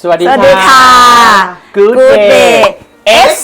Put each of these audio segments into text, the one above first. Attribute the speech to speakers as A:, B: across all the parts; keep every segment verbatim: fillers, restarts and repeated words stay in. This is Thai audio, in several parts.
A: สวัสดี
B: สวัสดีค่ะ
A: Good Day
B: X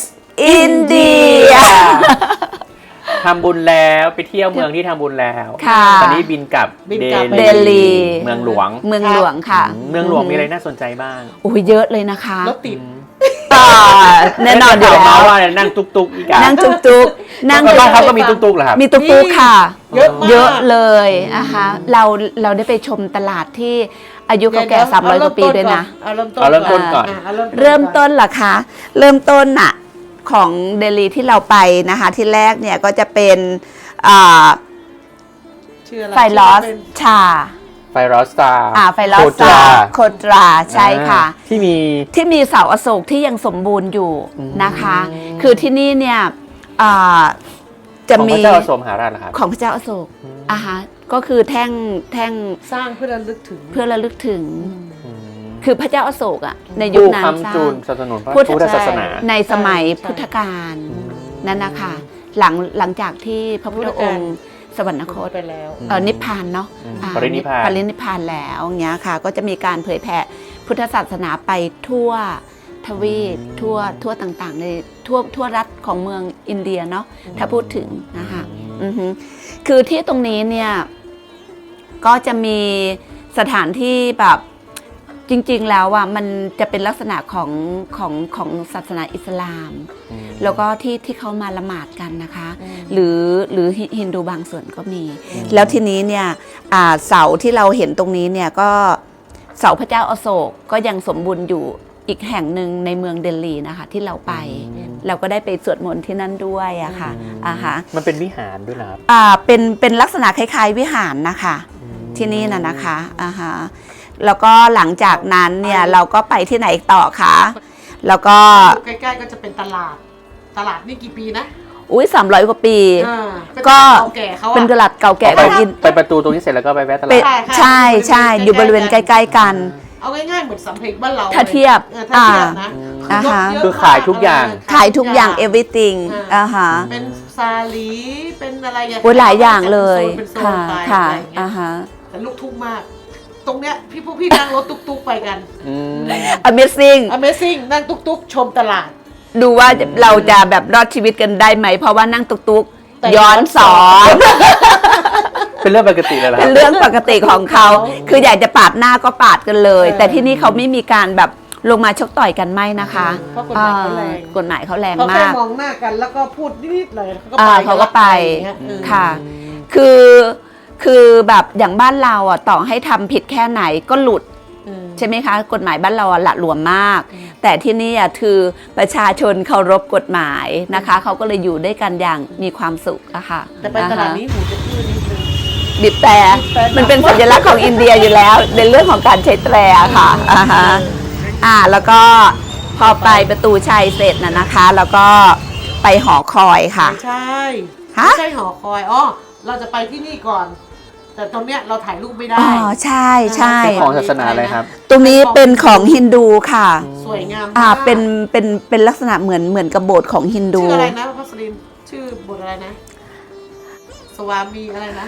B: India
A: ทำบุญแล้วไปเที่ยวเมืองที่ทำบุญแล้ว
B: ค่ะ
A: ตอนนี้บินกลับ
C: บินกลับ
B: เดลี
A: เมืองหลวง
B: เมืองหลวงค่ะ
A: เมืองหลวงมีอะไรน่าสนใจบ้าง
B: โอ้ยเยอะเลยนะคะ
C: รถติด
B: อ่าแน่นอนอยู่
A: ข่าว
B: แล้
A: มาว ว่านั่งตุกตุกอีกอะ
B: นั่งจุกจุกนั่ง
A: บ้าน
B: จุก
A: เขาก็มีตุกตุกเหรอครับ
B: มีตุกตุกค่ะ
C: เยอะมาก
B: เยอะเลยนะคะเราเราได้ไปชมตลาดที่อายุเก่าแก่สามร้อยกว่าปีด้วยนะ
C: เอาเริ่มต้น
A: เอาเริ่มต้นก่อน
C: ะเอาเริ่มต้น
B: เริ่มต้นเหรอคะ เริ่มต้นน่ะของเดลีที่เราไปนะคะที่แรกเนี่ยก็จะเป็นอ่า
C: ชื่ออะไร
B: ไฟลอส
C: ชื่เป็น
B: ชา
A: ไฟรอสตา
B: อ่าไฟลอส
A: โคตรา
B: โคตราใช่ค่ะ
A: ที่มี
B: ที่มีเสาอโศกที่ยังสมบูรณ์อยู่นะคะ
A: อืม
B: คือที่นี่เนี่ยอ่าจะ
A: ของพ
B: มี
A: ระเจ้าอโศกมหาราชเหรอครับ
B: ของพระเจ้าอโศก
A: อืม
B: อ่าฮะก็คือแท่งแท่ง
C: สร้างเพื่อระลึกถึง
B: เพื่อระลึกถึง
A: อืม
B: คือพระเจ้าอโศกอ่ะในยุค
A: ผู้
B: นั้นสร้า
A: คำจู
B: ง
A: นสนับสนุนพระ
B: พุทธ
A: พุทธศาสนา
B: ในสมัย
C: ใช่
B: พุทธกาล
A: อืม
B: นั่นนะคะหลังหลังจากที่พระพุทธองค์สวรรคต
C: ไปแล้ว
B: เอ่อนิพพานเนาะ
A: อืม
B: อ่า
A: ปรินิพพาน
B: ปรินิพพานแล้วอย่างเงี้ยค่ะ ก็จะมีการเผยแผ่พุทธศาสนาไปทั่วทวีปทั่วทั่วต่างๆในทั่วทั่วรัฐของเมืองอินเดียเนาะถ้าพูดถึงนะคะอือฮึคือที่ตรงนี้เนี่ยก็จะมีสถานที่แบบจริงๆแล้วอ่ะมันจะเป็นลักษณะของของของศาสนาอิสลาม
A: อืม
B: แล้วก็ที่ที่เขามาละหมาดกันนะคะ
C: อืม
B: หรือหรือฮินดูบางส่วนก็มี แล้วทีนี้เนี่ยอ่าเสาที่เราเห็นตรงนี้เนี่ยก็เสาพระเจ้าอโศกก็ยังสมบูรณ์อยู่อีกแห่งหนึ่งในเมืองเดลีนะคะที่เราไป
A: อืม
B: เราก็ได้ไปสวดมนต์ที่นั่นด้วยอะค่ะอ่าฮะ
A: มันเป็นวิหารด้วยนะครับ
B: อ่าเป็นเป็นลักษณะคล้ายๆวิหารนะคะ
A: อืม
B: ที่นี่น่ะนะคะอ่าฮะแล้วก็หลังจากนั้นเนี่ยเราก็ไปที่ไหนอีกต่อคะแล้วก็
C: อยู่ใกล้ๆก็จะเป็นตลาด ตลาดนี่กี่ปีนะ
B: อุ้ยสามร้อยกว่าปี
C: อ่าเป็น
B: ก็
C: ตลาดเก่าแก่เขาอะ
B: เป็นตลาดเก่าแก่
A: ไป
B: ของอิน
A: ไปประตูตรงนี้เสร็จแล้วก็ไปแวะตลา
B: เป็
A: ด
B: นใช่ใช่อยู่บริเวณใกล้ๆกัน
C: เอาง่ายๆเหมือนสำเพ็งบ้านเรา
B: ถ้าเทียบ
C: ออถ้าเทียบนะ
B: อ่า
C: รถ
B: ฮะ
C: เยะ
A: คือขายทุกอย่าง
C: ม
B: ขายทุกอย่าง everything
C: อ่า
B: อ่าฮะ
C: เป็นซาลีเป็นอะไรอย่าง
B: โอ้ยหลายอย่างเลย
C: เป็นโซน
B: ค่ะ
C: ไป
B: ค่ะ
C: อะไรอย่างเงี้
B: อ่าย ฮะ
C: แต่ลูกทุ่งมาก ตรงเนี้ยพี่พวกพี่นั่งรถตุ๊กๆไปกัน
A: อืม
B: amazing
C: Amazing นั่งตุ๊กๆ ชมตลาด
B: ดูว่าเราจะแบบรอดชีวิตกันได้ไหม เพราะว่านั่งตุก
C: แต่
B: ๆย้อนสอน
A: เป็นเรื่องปกติเลยเหรอค
B: เป็
A: รั
B: น
A: บ
B: เรื่องปกติของเขา
C: เขา
B: คืออยากจะปาดหน้าก็ปาดกันเลย
C: เออ
B: แต่ที่นี่เขาไม่มีการแบบลงมาชกต่อยกันไม่นะคะ
C: เพราะกฎหมายเขาแรง
B: อ่ากฎหมายเขาแรง
C: เขาแค่
B: มาก
C: มองหน้ากันแล้วก็พูดนิดๆเลยเขาก็
B: อ่า
C: ไป
B: เขาก็ไป
C: อย่างเงี้ยเออ
B: ค่ะ คือคือแบบอย่างบ้านเราอ่ะต่อให้ทำผิดแค่ไหนก็หลุด
C: อืม
B: ใช่ไหมคะ กฎหมายบ้านเราอะหละหลวมมาก แต่ที่นี่อ่ะคือประชาชนเคารพกฎหมายนะคะ เขาก็เลยอยู่ด้วยกันอย่างมีความสุขอะค่ะ
C: แต่ไปตลาดนี้หูจะอื้อนิดนึง
B: บีบแต่
C: บีบแต่
B: มันเป็นสัญลักษณ์ของอินเดียอยู่แล้ว ในเรื่องของการใช้แตรค่ะอ่าฮะอ่าแล้วก็พอไปประตูชัยเสร็จนะนะคะ แล้วก็ไปหอคอยค่ะ
C: ไม่ใช่
B: ฮะ
C: ไม่ใช่หอคอยอ๋อเราจะไปที่นี่ก่อน แต่ตรงเนี้ยเราถ่ายรูปไม่ได้
B: อ๋อใช่ใช่
A: เป็นของศาสนาอะไรครับ
B: ตรงนี้เป็นของฮินดูค่ะ
C: สวยงาม
B: อ่าม
C: าก
B: เป็นเป็นเป็นลักษณะเหมือนเหมือนกับโบสถ์ของฮินดู
C: ชื่ออะไรนะพัสลินชื่อบทอะไรนะ สวามีอะไรนะ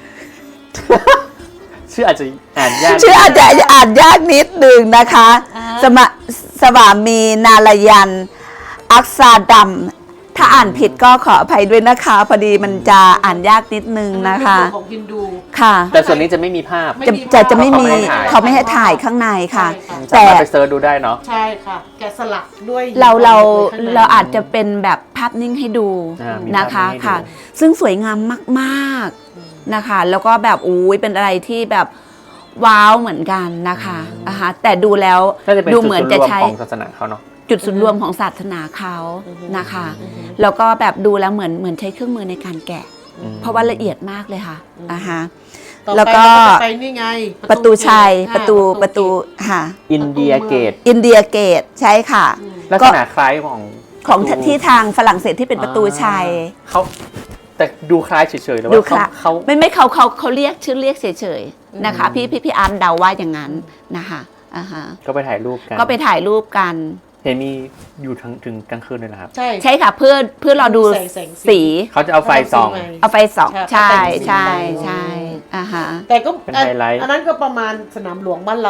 A: ชื่ออาจจะอ่านยาก
B: ชื่ออาจจะอ่านยากนิดหนึ่งนะคะ
C: อ่า
B: สมะสวามีนาลายัน อักษาดัมถ้าอ่านผิดก็ขออภัยด้วยนะคะ พอดีมันจะอ่านยากนิดนึงนะคะ
C: เป็นบทของฮินดู
B: ค่ะ
A: แต่ส่วนนี้จะไม่มีภาพ
C: ไม่
B: จะ
C: มี
B: จะจะไม่
A: เขา
B: มี
A: ไม่ให้ถ่าย
B: เขาไม่ให้ถ่ายข้างในค่ะ
C: ใช่ค่ะ
A: สา
B: แต่
A: มารถไปเซิร์ชดูได้เนาะ
C: ใช่ค่ะ แกะสลักด้วย
B: เราเรา
C: ข้งใน
B: เราอาจจะเป็นแบบภาพนิ่งให้ดู
A: อ่ามี
B: นะคะ
A: ภาพนิ่งให้ดู
B: ค่ะ ซึ่งสวยงามมากๆนะคะ แล้วก็แบบอุ้ยเป็นอะไรที่แบบว้าวเหมือนกันนะคะอ่าฮะแต่ดูแล้ว
A: น่าจะเป็น
B: ดู
A: จุด
B: เหมือน
A: ศูนย์
B: จะ
A: รวม
B: ใช้
A: ของศาสนาเขาเนาะ
B: จุดศูนย์รวมของศาสนาเขานะคะ แล้วก็แบบดูแล้วเหมือนเหมือนใช้เครื่องมือในการแกะ
A: อืม
B: เพราะว่าละเอียดมากเลยค่ะอ่าฮะ
C: ต่อไป
B: แล้วก็
C: เราจะไปนี่ไง
B: ประตูชัย
C: เกต
B: ประตู
C: อ่า
B: ประตูค่ะ
A: อินเดียเกต
B: อินเดียเกตใช่ค่ะ
A: ลักษณะคล้ายของ
B: ของ
A: ประตู
B: ที่ทางฝรั่งเศสที่เป็นประตูชัย
A: เขาแต่ดูคล้ายเฉยๆแต่
B: ดู
A: ว่า
B: ค
A: เขา
B: ละ
A: เขา
B: ไม่ไม่เขาเขาเขาเรียกชื่อเรียกเฉยๆนะคะ พี่พี่พี่อาร์ตเดาว่าอย่างนั้นนะคะอ่าฮะ
A: ก็ไปถ่ายรูปกัน
B: ก็ไปถ่ายรูปกัน
A: เห็นมีอยู่ทั้งถึงกลางคืนเลยนะครับ
C: ใช่
B: ใช่ค่ะเพื่อเพื่อเราดู
C: แสงแสงสี
B: สี
A: เขาจะเอาไฟส่อง
B: เอาไฟส่อง
C: ใช่
B: ใช่
C: เอาไฟสี
B: ใช่ใช่อ่าฮะ
C: แต่ก็
A: เป็นไฮไลท์
C: อันนั้นก็ประมาณสนามหลวงบ้านเรา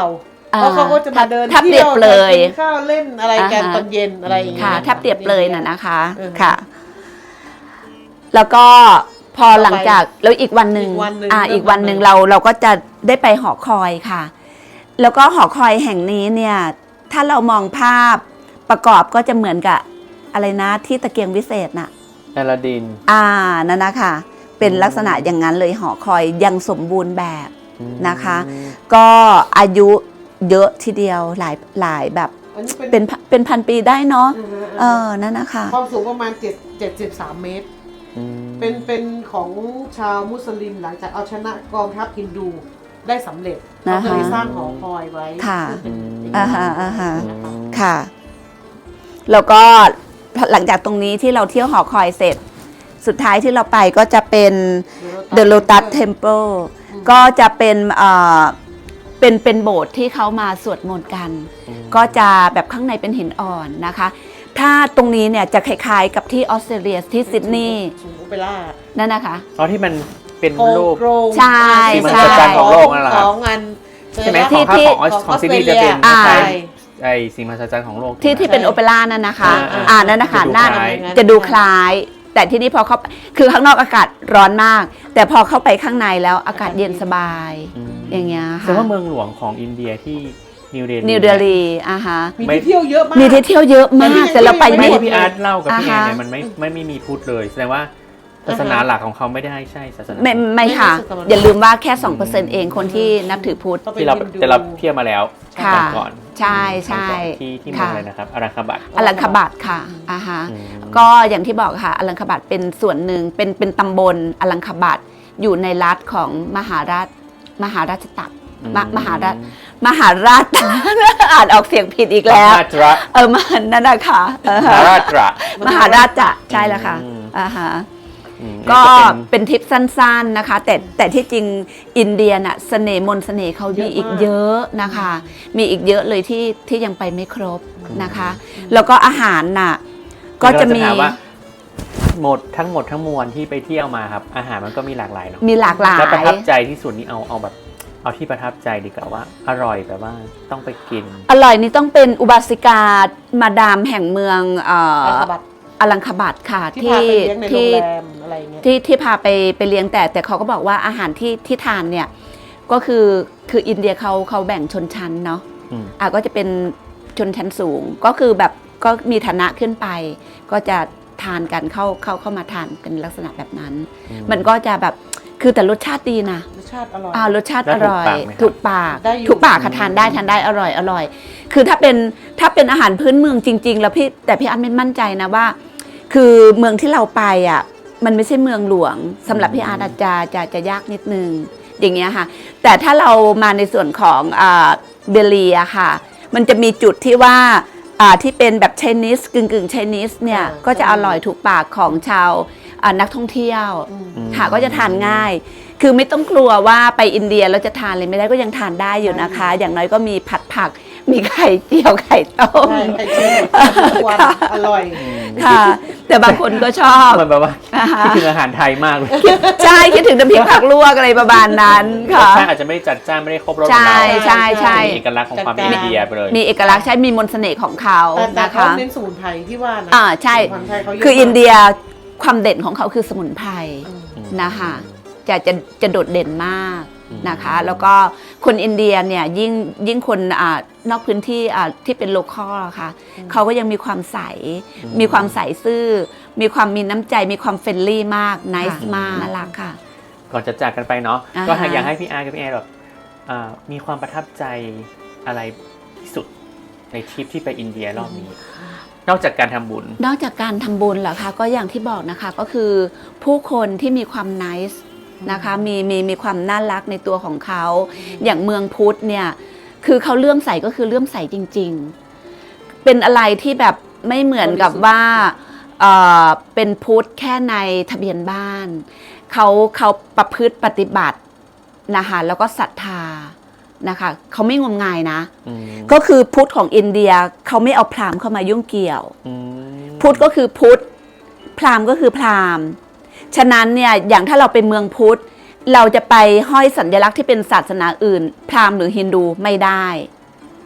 C: เพราะเขาก็จะมาเดิน
B: ถ้าเปรียบเลย
C: กินข้าวเล่นอะไรกัน
B: อ่าฮะ
C: ตอนเย็นอะไรอย่างเงี้ย
B: ค่ะถ้าเปรียบเลยน่ะนะคะ
C: เออ
B: ค่ะ แล้วก็พอหลังจากแล้วอีกวันหนึ่ง
C: อีกวันหนึ่ง
B: อ่า
C: เริ่ม
B: อีกวันหนึ่ง
C: เลย
B: เราเราก็จะได้ไปหอคอยค่ะ แล้วก็หอคอยแห่งนี้เนี่ย ถ้าเรามองภาพประกอบก็จะเหมือนกับอะไรนะที่ตะเกียงวิเศษน่ะ
A: อลาดิน
B: อ่านั่นนะคะเป็นลักษณะอย่างนั้นเลยหอคอยยังสมบูรณ์แบบนะคะ ก็อายุเยอะทีเดียวหลายหลายแบบ
C: อันนี้
B: เป็นเป็นพันปีได้เนาะ
C: อือฮะ
B: เออนั่นนะคะ
C: ความสูงประมาณเจ็ดเจ็ดสิบสามเมตร
A: อืม
C: เป็นเป็นของชาวมุสลิมหลังจากเอาชนะกองทัพฮินดูได้สำเร็จ
B: นะ
C: เขา
B: คะ
C: ก็เลยสร้างหอคอยไว้
B: ค่ะ
C: ซึ่งเป็น
B: อ่าฮะอ่าฮะ
C: นะคะ
B: ค่ะ แล้วก็หลังจากตรงนี้ที่เราเที่ยวหอคอยเสร็จ สุดท้ายที่เราไปก็จะเป็น The Lotus Temple ก็จะเป็นเอ่อเป็นเป็นโบสถ์ที่เขามาสวดมนต์กัน ก็จะแบบข้างในเป็นหินอ่อนนะคะ ถ้าตรงนี้เนี่ยจะคล้ายๆกับที่ออสเตรเลียที่ซิดนีย์
C: สูงโอเปร่า
B: นั่นนะคะ
A: อ๋อที่มันเป็น
C: โครง
A: รูป
C: โครง
B: ใช่
A: ที่มันจะจานของโลกนั่นแหละครับ
C: ของอัน
A: ใช่ไหม
B: ที่
A: ของภาพ
B: ที่
A: ของออสของซิดนีย์จะเป็น
B: อ่า
A: คล้ายๆไอสิ่งมหัศจรรย์ของโลก
B: ที่ที่เป็นโอเปร่านั่นนะคะ
A: อ่า
B: อ่านั่นนะคะ
A: จะดู
B: น่า
A: คล้าย
B: จะดูคล้าย แต่ที่นี่พอเข้าคือข้างนอกอากาศร้อนมาก แต่พอเข้าไปข้างในแล้วอากาศเย็นสบาย
A: อืม
B: อย่างเงี้ย
A: แสด
B: ค่ะ
A: งว่าเมืองหลวงของอินเดียที่นิวเดลี
B: นิวเดลีอ่ะฮะ
C: มีที่เที่ยวเยอะมาก
B: มีที่เที่ยวเยอะมากแต่เราไป
A: ไม่
B: ไม่
A: ที่พี่อาร์ตเล่ากับพี่แอน
B: อ่าฮะ
A: เนี่ยมันไม่ไม่ไม่มีพุทธเลยแสดงว่าศาสนาหลักของเขาไม่ได้ใช่ศาสนา
B: ไม่ไม่ค่ะ อย่าลืมว่าแค่ สองเปอร์เซ็นต์ เองคนที่นับถือพุทธ
C: ก็เป็น
A: ที่เรา
C: ฮินดู
A: แต่เราเที่ยวมาแล้ว
B: ค่ะ
A: ก่อนก่อน
B: ใช่ใช่
A: ที่ที่เมือง
B: ค่ะ
A: อะไรนะครับอารังคาบัต
B: อลังคบัตค่ะอ่าฮะ
A: อืม
B: ก็อย่างที่บอกค่ะอลังคบัตเป็นส่วนหนึ่งเป็นเป็นตำบลอลังคบัตอยู่ในรัฐของมหาราชมหาราชตักมมหาราชมหาราช อ่านออกเสียงผิดอีกแล้ว
A: มหาตระ
B: เออมันนั่นนะคะเออ
A: มหาราตระ
B: มหาราชจะใช่แล้วค่ะ
A: อืม
B: อ่าฮะ
A: อืม
B: ก็
A: นี่เป็น
B: เป็นทริปสั้นๆนะคะ แต่แต่ที่จริงอินเดียน่ะเสน่ห์มนต์เสน่ห์เขามีอีกเยอะนะคะ มีอีกเยอะเลยที่ที่ยังไปไม่ครบนะคะ แล้วก็อาหารน่ะก็จะมี
A: เราถาว่าหมดทั้งหมดทั้งมวลที่ไปเที่ยวมาครับ อาหารมันก็มีหลากหลายเนาะ
B: มีหลากหลาย
A: แล้วประทับใจที่สุดนี่เอาเอาแบบ เอาที่ประทับใจดีกว่าว่า อร่อยแบบว่าต้องไปกิน
B: อร่อยนี่ต้องเป็นอุบาสิกามาดามแห่งเมืองเอ่อ
C: อาคาบัต
B: อลังคบัตค่ะ
C: ที่พาไปเลี้ยงในโรง
B: ที่
C: แรมอะไรเงี้ย
B: ที่ที่พาไปไปเลี้ยงแต่แต่เขาก็บอกว่าอาหารที่ที่ทานเนี่ยก็คือคืออินเดียเขาเขาแบ่งชนชั้นเนาะ
A: อืม
B: อ่ะก็จะเป็นชนชั้นสูงก็คือแบบก็มีฐานะขึ้นไป ก็จะทานกันเข้าเข้าเข้ามาทานเป็นลักษณะแบบนั้น
A: อืม
B: มันก็จะแบบคือแต่รสชาติดีนะ
C: รสชาติอร่อย
B: อ่ารสชาติ
A: แล้
B: อ
A: วถูก
B: ร่อย
A: ปากไหมครับ
B: ถูกปาก
C: ได้อยู่
B: ถูกปากค่ะทานได้ทานได้อร่อยอร่อย คือถ้าเป็นถ้าเป็นอาหารพื้นเมืองจริง ๆ แล้วพี่แต่พี่อันไม่มั่นใจนะว่า คือเมืองที่เราไปอ่ะมันไม่ใช่เมืองหลวงสำหรับพี่อาร์ตอาจจะจะจะยากนิดนึงอย่างเงี้ยค่ะ แต่ถ้าเรามาในส่วนของอ่าเบลีอะค่ะ มันจะมีจุดที่ว่าอ่าที่เป็นแบบไชนีสกึ่งกึ่งไชนีสเนี่ย
C: อ่า
B: ก็จะอร่อยถูกปากของชาวอ่านักท่องเที่ยว
C: อืม
A: อืม
B: ค่ะก็จะทานง่าย คือไม่ต้องกลัวว่าไปอินเดียแล้วจะทานเลยไม่ได้ก็ยังทานได้อยู่นะคะ อย่างน้อยก็มีผัดผัก มีไข่เจียวไข่ต้ม
C: ใช่ไข่เจียวทุกวันอร่อย
B: ค่ะ แต่บางคนก็ชอบ
A: เหมือนแบบว่า
B: อ่าฮะ
A: คิดถึงอาหารไทยมากเลย
B: ใช่คิดถึงน้ำพริกผักลวกอะไรประมาณนั้น
A: รส
B: ค่ะ
A: ชาติอาจจะไม่ได้จัดจ้านไม่ได้ครบรส
B: ใช่
A: ของเรา
B: ใช่ใช่
A: มีเอกลักษณ์ของความเป็น
C: จัดจ้าน
A: อินเดียไปเลย
B: มีเอกลักษณ์ใช่มีมนต์เสน่ห์ของเขา
C: แต่แต่
B: นะ
C: เขา
B: คะ
C: เน้นสมุนไพรที่ว่านะ
B: อ่าใช่
C: สมุนไพรเขาเยะ
B: คืออิน
C: มาก
B: เดียความเด่นของเขาคือสมุนไพร
C: อืม
B: นะคะจะจะจะโดดเด่นมาก
A: อืม
B: นะคะ แล้วก็คนอินเดียเนี่ยยิ่งยิ่งคนอ่านอกพื้นที่อ่าที่เป็นโลคอลค่ะเขาก็ยังมีความใส มีความใสซื่อ มีความมีน้ำใจมีความเฟรนลี่มากนิสมากน่ารักค่ะ
A: ก่อนจะจากกันไปเนาะ
B: อ่าฮะ
A: ก็อยากให้พี่อาร์กับพี่แอนแบบอ่ามีความประทับใจอะไรที่สุดในทริปที่ไปอินเดียรอบนี้ นอกจากการทำบุญ
B: นอกจากการทำบุญเหรอคะก็อย่างที่บอกนะคะก็คือผู้คนที่มีความนิสนะคะมีมีมีความน่ารักในตัวของเขา อย่างเมืองพุทธเนี่ยคือเขาเลื่อมใสก็คือเลื่อมใสจริง ๆ เป็นอะไรที่แบบไม่เหมือนกับว่าเอ่อเป็นพุทธแค่ในทะเบียนบ้านเขาเขาประพฤติปฏิบัตินะคะแล้วก็ศรัทธานะคะเขาไม่งมงายนะ
A: อืม
B: ก็คือพุทธของอินเดียเขาไม่เอาพราหมณ์เข้ามายุ่งเกี่ยว
A: อืม
B: พุทธก็คือพุทธพราหมณ์ก็คือพราหมณ์ฉะนั้นเนี่ยอย่างถ้าเราเป็นเมืองพุทธเราจะไปห้อยสัญลักษณ์ที่เป็นศาสนาอื่น พราหมณ์หรือฮินดูไม่ได้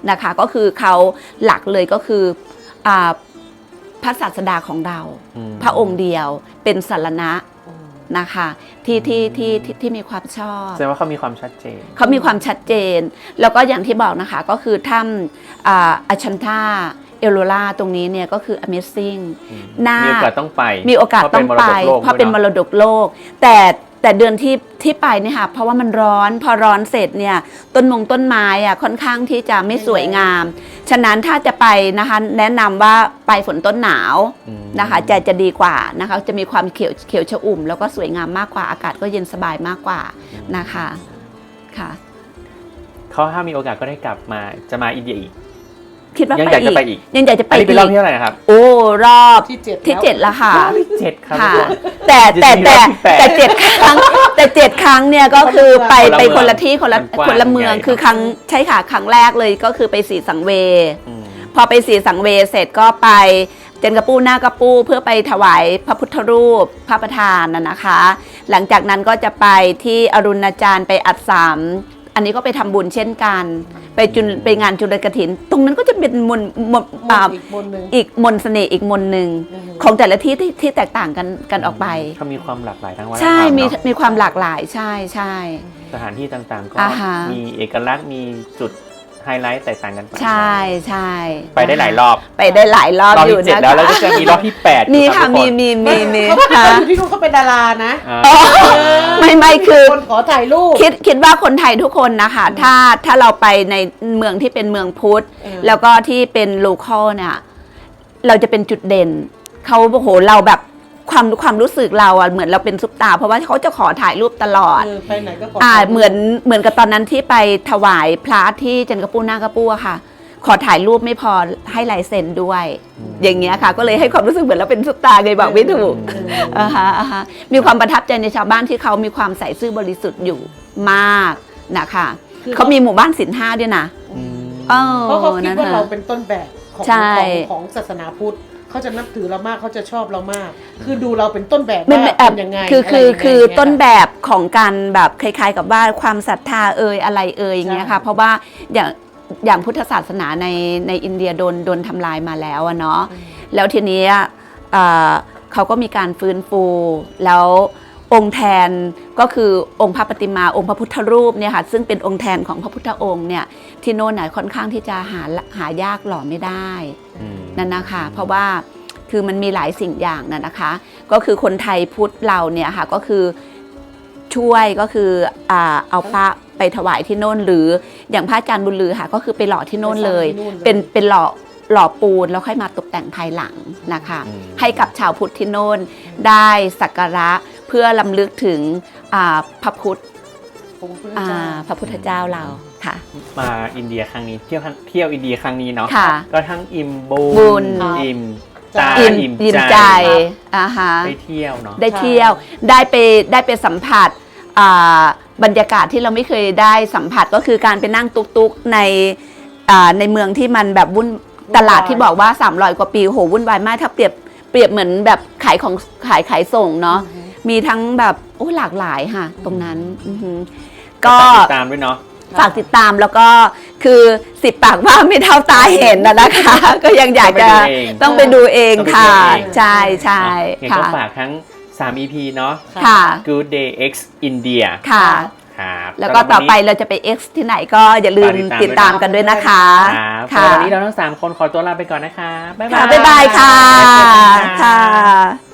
B: นะคะ ก็คือเขาหลักเลยก็คืออ่าพระศาสดาของเรา
A: อืม
B: พระองค์เดียวเป็นสรณะนะคะที่ที่ที่ที่ที่มีความชอบ
A: แสดงว่าเขามีความชัดเจน
B: เขามีความชัดเจน แล้วก็อย่างที่บอกนะคะก็คือถ้ำอ่าอัชันทาเอโลราตรงนี้เนี่ยก็คือ Amazing
A: อืม
B: น่า
A: มีโอกาสต้องไป
B: มีโอกาสต้องไปเพราะเป็นมรดกโลก แต่แต่เดือนที่ที่ไปเนี่ยค่ะเพราะว่ามันร้อนพอร้อนเสร็จเนี่ยต้นมงต้นไม้อะค่อนข้างที่จะไม่สวยงาม ฉะนั้นถ้าจะไปนะคะแนะนำว่าไปฝนต้นหนาว
A: อืม
B: นะคะจะจะดีกว่านะคะจะมีความเขียวเขียวชอุ่ม แล้วก็สวยงามมากกว่าอากาศก็เย็นสบายมากกว่านะคะค่ะ
A: เขาถ้ามีโอกาสก็ได้กลับมาจะมาอินเดียอีก
B: คิดว่า
A: ยัง
B: ไป
A: อยากจะ
B: อี
A: ไป
B: ก
A: อีก
B: ยังอยากจะไป
A: อันนี้เป็นรอบ
B: อี
A: ที่
B: ก
A: เท่าไหร่นะครับ
B: โอ้รอบ
C: ที่เจ็ด
B: ที่
C: แล้ว
B: เจ็ดแล้วค่ะ
A: รอบที่เจ็ดครับ
B: ค่ะ
A: ทุกคน
B: แต่แต่
A: จริ
B: แต่
A: งๆรอบที่แปด
B: แต่เจ็ดครั้งแต่เจ็ดครั้งเนี่ยก็คือไป
A: คนละ
B: ไป
A: เมือง
B: คนละที่คนละ
A: มันกว้าง
B: คนละเมือง
A: ใหญ่
B: คือครั้งใช่ค่ะครั้งแรกเลยก็คือไปสีสังเวย
A: อืม
B: พอไปสีสังเวยเสร็จก็ไปเจนกระปูหน้ากระปูเพื่อไปถวายพระพุทธรูปพระประธานน่ะนะคะ หลังจากนั้นก็จะไปที่อรุณาจารย์ไปอัดสามอันนี้ก็ไปทำบุญเช่นกัน ไปจุลไปงานจุลกฐิน ตรงนั้นก็จะเป็นมนต์มนต์
C: ม
B: อ่า
C: นต์อีกมนต์หนึ่ง
B: อีกมนต์เสน่ห์อีกมนต์หนึ่ง
C: อือฮึ
B: ของแต่ละที่ที่ที่แตกต่างกันกันออกไป
A: เขามีความหลากหลายทางวัฒนธรรม
B: ใช่มี
A: เนอะ
B: มีความหลากหลายใช่ใช่
A: สถานที่ต่างๆ ก็
B: อ่าฮะ
A: มีเอกลักษณ์มีจุดไฮไลท์แตกต่างกันไป
B: ใช่ใช่
A: ไปได้หลายรอบ
B: ไปได้หลายรอบ
A: รอบ
B: อยู่
A: ที่เจ็ด
B: นะ
A: แล้วแล้ว
B: คะ
A: ก็จะมีรอบที่แปด
B: มี
A: อยู่
B: ค่ะ
A: รับทุ
B: มี
A: กน
B: มีมีมี
C: เขาเขา
B: ค่ะ
C: อยู่ที่นู่นเขาเป็นดารานะ
A: อ่า
B: อ๋อไม่ไม่คือ
C: คนขอถ่ายรูป
B: คิดคิดว่าคนไทยทุกคนนะคะ ถ้าถ้าเราไปในเมืองที่เป็นเมืองพุทธ
C: เออ
B: แล้วก็ที่เป็นโลคอลเนี่ยเราจะเป็นจุดเด่นเขาโอ้โหเราแบบความความรู้สึกเราอะเหมือนเราเป็นซุปตาร์เพราะว่าเขาจะขอถ่ายรูปตลอด
C: เออไปไหนก็ขอ
B: อ่า
C: ถ่ายรูป
B: เหมือนเหมือนกับตอนนั้นที่ไปถวายพระที่จันกระปูหน้ากระปูอะค่ะ ขอถ่ายรูปไม่พอให้ลายเซ็นด้วย
A: อืม
B: อย่างเงี้ยค่ะ ก็เลยให้ความรู้สึกเหมือนเราเป็นซุปตาร์ไงบอกไม่ถูก
C: เออ
B: อ่าฮะอ่าฮะมีความประทับใจในชาวบ้านที่เขามีความใส่ซื่อบริสุทธิ์อยู่มากนะคะ
C: คือ
B: เขามีหมู่บ้านศีลห้าด้วยนะ
A: อืม
B: เออ
C: เพราะเขาคิด
B: นั่น
C: ว่า
B: น่ะ
C: เราเป็นต้นแบบของ
B: ใช่
C: ของของศาสนาพุทธเขาจะนับถือเรามากเขาจะชอบเรามาก คือดูเราเป็นต้นแบบ
B: ไม่
C: ว่า
B: ไม่
C: เป็นยังไง
B: คือคือ
C: อะไรยังไง
B: คือ
C: เนี่ย
B: ต้น
C: ค่ะ
B: แบบของการแบบคล้ายๆ กับว่าความศรัทธาเอ่ยอะไรเอ่ยอย่างเงี้ยค่ะ
C: ใช่
B: เพราะว่าอย่างอย่างพุทธศาสนาในในอินเดียโดนโดนทำลายมาแล้วอะเนาะ แล้วทีนี้เอ่อเขาก็มีการฟื้นฟูแล้วองค์แทนก็คือองค์พระปฏิมาองค์พระพุทธรูปเนี่ยค่ะซึ่งเป็นองค์แทนของพระพุทธองค์เนี่ยที่โน่นน่ะค่อนข้างที่จะหาหายากหล่อไม่ได้
A: อืม
B: นั่นนะคะเพราะว่าคือมันมีหลายสิ่งอย่างนะนะคะ ก็คือคนไทยพุทธเราเนี่ยค่ะก็คือช่วยก็คืออ่าเอาพระไปถวายที่โน่นหรืออย่างพระอาจารย์บุญลือค่ะก็คือไปหล่อที่โน่นเลย
C: ไปสร้างที่นู่นเลย
B: เป็นเป็นหล่อหล่อปูนแล้วค่อยมาตกแต่งภายหลังนะคะ
A: อืม
B: ให้กับชาวพุทธที่โน่นได้สักการะเพื่อลำลึกถึงอ่าพระพุทธ
C: องค์พระ
B: อ่า
C: เจ้า
B: พระพุทธเจ้าเราค่ะ
A: มาอินเดียครั้งนี้เที่ยวทั้งเที่ยวอินเดียครั้งนี้เนาะ
B: ค่ะ
A: ก็ทั้งอิ่มบุ
B: บุญ
A: อิ่มตา
B: อิ่ม
A: อิ่ม
B: อิ่ม
A: ใจ
B: ใจอ่าฮะ
A: ได้เที่ยวเนาะ
B: ได้เที่ยวได้ไปได้ไปสัมผัสอ่าบรรยากาศที่เราไม่เคยได้สัมผัสก็คือการไปนั่งตุกๆในอ่าในเมืองที่มันแบบวุ่นตลาดที่บอกว่าสามร้อยกว่าปีโหวุ่นวายมากถ้าเปรียบเปรียบเหมือนแบบขายของขายขายส่งเนาะมีทั้งแบบโอ้หลากหลายค่ะ ตรงนั้นอือหือก็
A: ติดตามด้วยเนาะ
B: ฝากติดตามแล้วก็คือสิบปากว่าไม่เท่าตาเห็นนะนะคะ ก็ยังอยากจะ
A: ต้องไปดูเอง
B: ต้องไปดูเองค่ะ
A: ต้องไปดูเอง
B: ใช่ใช่
A: เห็น
B: ค่ะ
A: ก็ฝากทั้งสาม อี พี เนาะ
B: ค่ะ
A: Good Day X India
B: ค่ะ
A: ครับ
B: แล้วก็ต่อไปเราจะไป X ที่ไหนก็อย่าลืม
A: ฝาก
B: ติดตามกันด้วยนะคะ
A: ครับ
B: ค่ะ
A: วันนี้เราทั้งสามคนขอตัวลาไปก่อนนะคะบ๊ายบา
B: ค่ะ
A: ย
B: บ๊ายบายค่ะ
A: บ๊ายบาย
B: ค่ะ